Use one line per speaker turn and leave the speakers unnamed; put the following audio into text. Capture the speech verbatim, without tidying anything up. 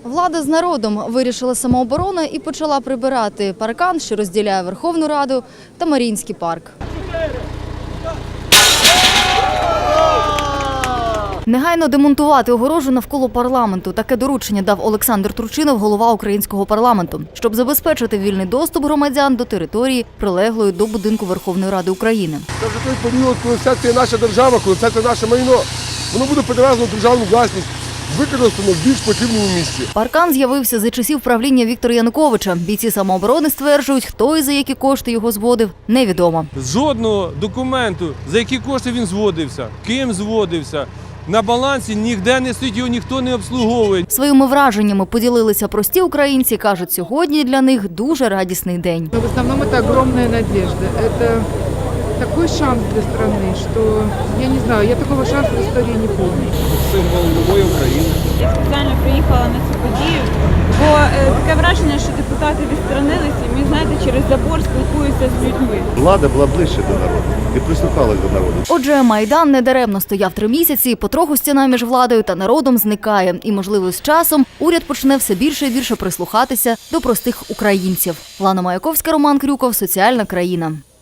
Влада з народом вирішила самооборона і почала прибирати паркан, що розділяє Верховну Раду та Маріїнський парк. Негайно демонтувати огорожу навколо парламенту. Таке доручення дав Олександр Турчинов, голова українського парламенту, щоб забезпечити вільний доступ громадян до території, прилеглої до будинку Верховної Ради України.
Це вже той період, коли все це наша держава, коли все це наше майно. Воно буде перевезено в державну власність, використано в більш потрібному місці.
Паркан з'явився за часів правління Віктора Януковича. Бійці самооборони стверджують, хто і за які кошти його зводив, невідомо.
Жодного документу, за які кошти він зводився, ким зводився, на балансі ніде не стоїть, його ніхто не обслуговує.
Своїми враженнями поділилися прості українці. Кажуть, сьогодні для них дуже радісний день.
В основному це огромна надежда. Це такий шанс для країни, що, я не знаю, я такого шансу в історії не пам'ятаю.
Символ нової України.
Я спеціально приїхала на цю подію, бо е, таке враження, що депутати відсторонилися, і ми, знаєте, через забор спілкуються з людьми.
Влада була ближче до народу і прислухалась до народу.
Отже, Майдан недаремно стояв три місяці, потроху стіна між владою та народом зникає. І, можливо, з часом уряд почне все більше і більше прислухатися до простих українців. Лана Маяковська, Роман Крюков, Соціальна країна.